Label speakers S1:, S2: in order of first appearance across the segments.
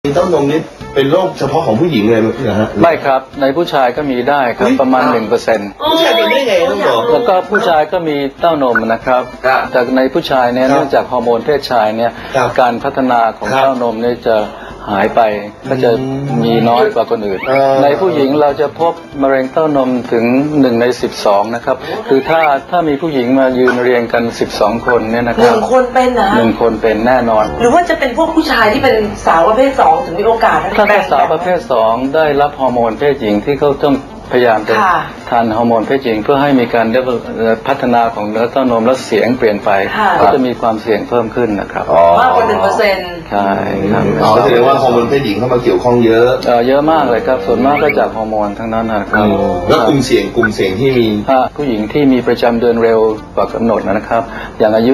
S1: เต้านมนี่เป็นโรคเฉพาะของผู้หญิงเลยมั้ยฮะ
S2: ไม่ครับในผู้ชายก็มีได้ครับประมาณ 1%
S1: ผู้ชายเป็นได้ไงต้องบอก
S2: แล้วก็ผู้ชายก็มีเต้านมนะครับแต่ในผู้ชายเนี่ยเนื่องจากฮอร์โมนเพศชายเนี่ยการพัฒนาของเต้านมเนี่ยจะหายไปก็จะมีน้อยกว่าคนอื่นในผู้หญิงเราจะพบมะเร็งเต้านมถึง1 ใน 12นะครับคือถ้ามีผู้หญิงมายืนเรียงกัน12 คนเนี่ยนะครับ
S3: 1 คนเป็นนะ
S2: 1 คนเป็นแน่นอน
S3: หรือว่าจะเป็นพวกผู้ชายที่เป็นสาวประเภท2ถึงมีโอกาส
S2: ถ้าเป็นสาวประเภท2ได้รับฮอร์โมนเพศหญิงที่เขาต้องพยายามจะทานฮอร์โมนเพศหญิงเพื่อให้มีการพัฒนาของเนื้อเต้านมและเสียงเปลี่ยนไปก็จะมีความเสี่ยงเพิ่มขึ้นนะครับ
S3: มากกว่า1%
S2: ใช่ครับ
S1: แสดงว่าฮอร์โมนเพศหญิงเข้ามาเกี่ยวข้องเยอะ
S2: เยอะมากเลยครับส่วนมากก็จากฮอร์โมนทั้งนั้นนะครับ
S1: แล้วกลุ่มเสี่ยงที่มี
S2: ผู้หญิงที่มีประจำเดือนเร็วกว่ากำหนดนะครับอย่างอายุ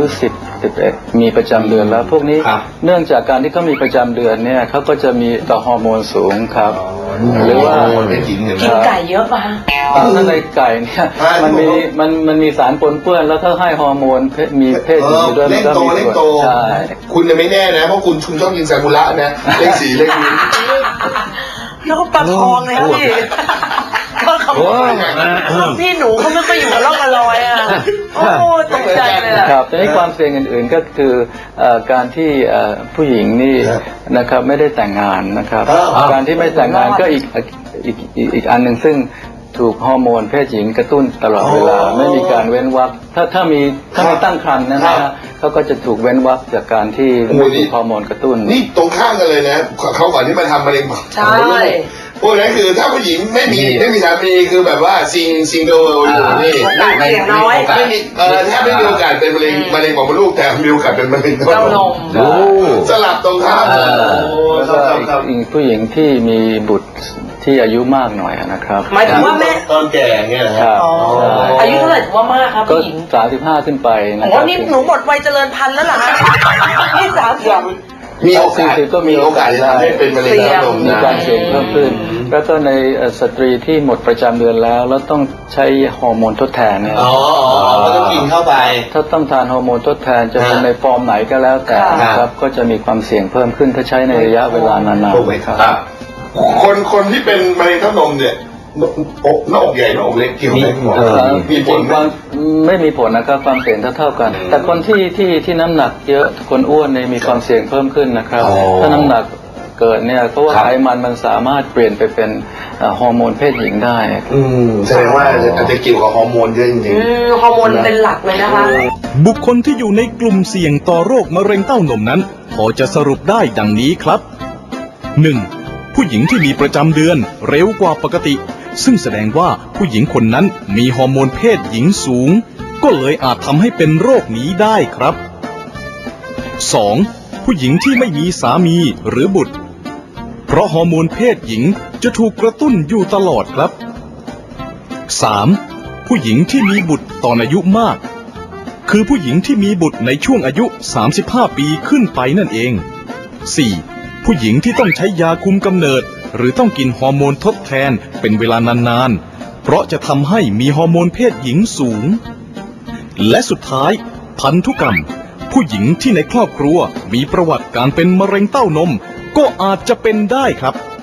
S2: 10-11มีประจำเดือนแล้วพวกนี้เนื่องจากการที่เขามีประจำเดือนเนี่ยเขาก็จะมีต่อฮอร์โมนสูงครับหรือว่า
S3: กินไก่เยอะป่ะ
S2: ถ้าในไก่เนี่ยมันมีสารปนเปื้อนแล้วถ้าให้ฮอร์โมนมีเพศหญิงด้วยมันก็มี
S1: ส่วนใช่คุณจะไม่แน่นะเพราะคุณชอบกินซากุระนะเลข4เลขนี้
S3: แล้วก็ปลาทองเลยครับพี่ก็เขาพี่หนูเขาไม่ไปอยู่กับร่องกับรอยอ่ะโอ้ตกใจเลย
S2: ครับแต่ในความเสี่ยงอื่นๆก็คือการที่ผู้หญิงนี่นะครับไม่ได้แต่งงานนะครับการที่ไม่แต่งงานก็อีกอันหนึ่งซึ่งถูกฮอร์โมนเพศหญิงกระตุ้นตลอดเวลาไม่มีการเว้นวรรคถ้ามีตั้งครรภ์นะฮะเขาก็จะถูกเว้นวรรคจากการที่ไม่ถูกฮอร์โมนกระตุ้น
S1: นี่ตรงข้ามกันเลยนะเขาก่อนที่มาทำมะเร็งปาก
S3: ใช่
S1: พวกนั้นคือถ้าผู้หญิงไม่มีสามีคือแบบว่าซิงเกิลอยู่นี่
S3: ไม่น้อย
S1: ไม่มีแทบไม่มีโอกาสเป็นมะเร็งของมดลูกแต่มีโอกาสเป็นมะเร็งเต้านมสลับตรงข้าม
S2: อีกผู้หญิงที่มีบุตรที่อายุมากหน่อยนะครับ
S3: หมายถึงว่าแม่
S1: ตอนแก่เงี้ย
S2: ครับ
S3: อายุเท่าไหร่ถือว่ามากครับผู้หญิง
S2: 35ขึ้นไป
S3: นะครับอ๋อนี่หนูหมดวัยเจริญพันธุ์แล้วเหรอนี่30
S1: มีโอกาส
S2: ก็มีโอกาส
S1: ได้เป็นมะเร็งเต้านม
S2: มีการเสี่ยงเพิ่มขึ้นแล้วก็ในสตรีที่หมดประจำเดือนแล้วต้องใช้ฮอร์โมนทดแทนเนี่ย
S1: ก็ต้องกินเข้าไป
S2: ถ้าต้องทานฮอร์โมนทดแทนจะเป็นในฟอร์มไหนก็แล้วแต่นะครับก็จะมีความเสี่ยงเพิ่มขึ้นถ้าใช้ในระยะเวลานาน
S1: ๆครับคนที่เป็นมะเร็งเต้านมเนี่ยหน้าอกใหญ่หน้าอกเล็กเกี่ยวไหมหมอมีผลไหม
S2: ไม่มีผลนะครับความเสี่ยงเท่ากันแต่คนที่น้ำหนักเยอะคนอ้วนเนี่ยมีความเสี่ยงเพิ่มขึ้นนะครับถ้าน้ำหนักเกิดเนี่ยเพราะว่าไขมันสามารถเปลี่ยนไปเป็นฮอร์โมนเพศหญิงได้
S1: แสดงว่าอาจจะเกี่ยวกับฮอร์โมนเยอะจริง
S3: ๆฮอร์โมนเป็นหลักเลยนะคะ
S4: บุคคลที่อยู่ในกลุ่มเสี่ยงต่อโรคมะเร็งเต้านมนั้นพอจะสรุปได้ดังนี้ครับ 1. ผู้หญิงที่มีประจำเดือนเร็วกว่าปกติซึ่งแสดงว่าผู้หญิงคนนั้นมีฮอร์โมนเพศหญิงสูงก็เลยอาจทำให้เป็นโรคนี้ได้ครับ 2. ผู้หญิงที่ไม่มีสามีหรือบุตรเพราะฮอร์โมนเพศหญิงจะถูกกระตุ้นอยู่ตลอดครับ 3. ผู้หญิงที่มีบุตรตอนอายุมากคือผู้หญิงที่มีบุตรในช่วงอายุ35 ปีขึ้นไปนั่นเอง 4. ผู้หญิงที่ต้องใช้ยาคุมกำเนิดหรือต้องกินฮอร์โมนทดแทนเป็นเวลานานๆเพราะจะทำให้มีฮอร์โมนเพศหญิงสูงและสุดท้ายพันธุกรรมผู้หญิงที่ในครอบครัวมีประวัติการเป็นมะเร็งเต้านมก็อาจจะเป็นได้ครับ